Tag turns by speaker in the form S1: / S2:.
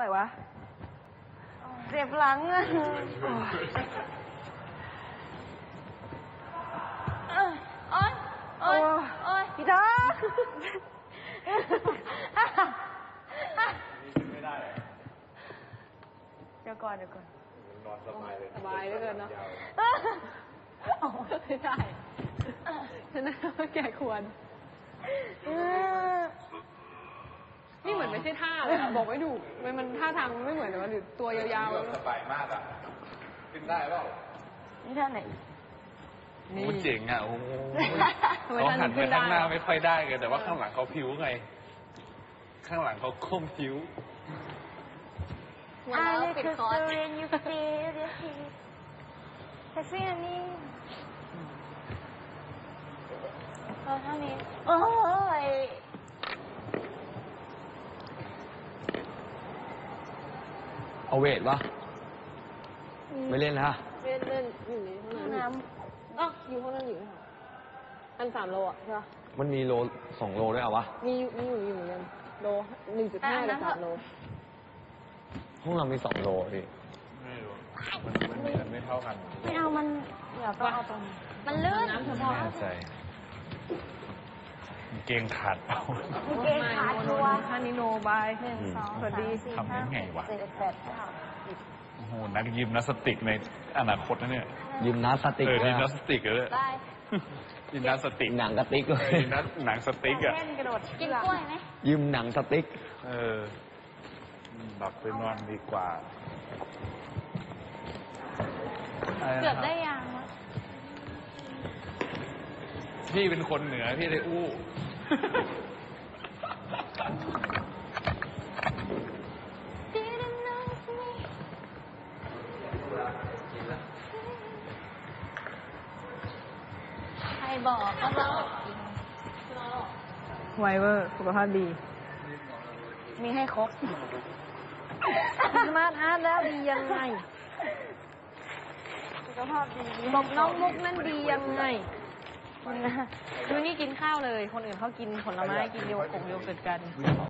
S1: วะเจ็บหลังอ่ะโอ๊ยโอ๊ยโอ๊ยพี่ท้อ
S2: ไม่ได้
S1: เดี๋ยวก่อน
S2: นอนสบายเลย
S3: สบายเหลือเกินเนาะไม่ได้ฉะนั้นแกควรนี่เหมือนไม่ใช่ท่าเลยอะบอกไม่ถูกมันท่าทางมันไม่เหมือนแต่ว่าหรือตัวยาวๆ
S2: สบายมากอ่ะขึ้นได้เปล่า
S1: นี่ท่าไหน
S4: โอ้เจ๋งอ่ะโอ้โห
S3: ทำไม
S4: เขา
S3: ท่าน
S4: หันไป
S3: ขึ้นได้
S4: ข้างหน้าไม่ค่อยได้ไงแต่ว่าข้างหลังเขาพิ้วไง ข้างหลังเขาก้มพิ้ว
S1: I like to when you feel the heat I feel me เท่านี้โอ้ย
S5: เอาเวทวะไม่เล่นนะ
S3: เล่นอยู่ในห้องน้ำอ๋ออยู่ห้องนั้นอยู่ค่ะอัน3 โลอ่ะใช่ปะ
S5: มันมีโล2 โลด้วยเหรอวะ
S3: มีอยู่เหมือนกันโล 1.5 กับ3 โล
S5: ห้องเรามี2 โลพี่
S4: ไม่รู้มันไม่เท่ากัน
S1: ไม่เอามันเดี๋ยวต้องเอาตรงมันลื่น
S3: น้ำเฉ
S4: ไม่
S3: พาะ
S4: แน่ใจเกงขาดเปล่า
S1: เกงขาดตัว
S3: ท่านี้โนบาย
S1: 1 2
S3: สวัสดี
S1: 3 4
S4: ทำได้ไงวะ
S1: 7 8
S4: โอ้โหนักยิมนาสติกในอนาคตนะเนี่ย
S5: ยิมนาสติก
S4: ยิม
S5: นะ
S4: นาสติกเลย
S1: 9ได้
S4: ยิมนาสติก
S5: หนังกระติกเลย
S4: ยิมนาหนังสติกอ่ะ
S1: เล่นกระโดดกินกล้วยไหม
S5: ยิมหนังสติ๊ก
S4: หลับไปนอนดีกว่า
S1: เกือบได้ยังวะ
S4: พี่เป็นคนเหนือพี่เลยอู้
S1: ใครบอกก็เรากิน
S3: ไวเวอร์สุขภาพดี
S1: มีให้ครบสมาร์ทอาร์ตแล้วดียังไงสุขภาพดีบอกน้องมุกนั่นดียังไงคุณนี่กินข้าวเลย คนอื่นเขากินผลไม้กินโยเกิร์ตกัน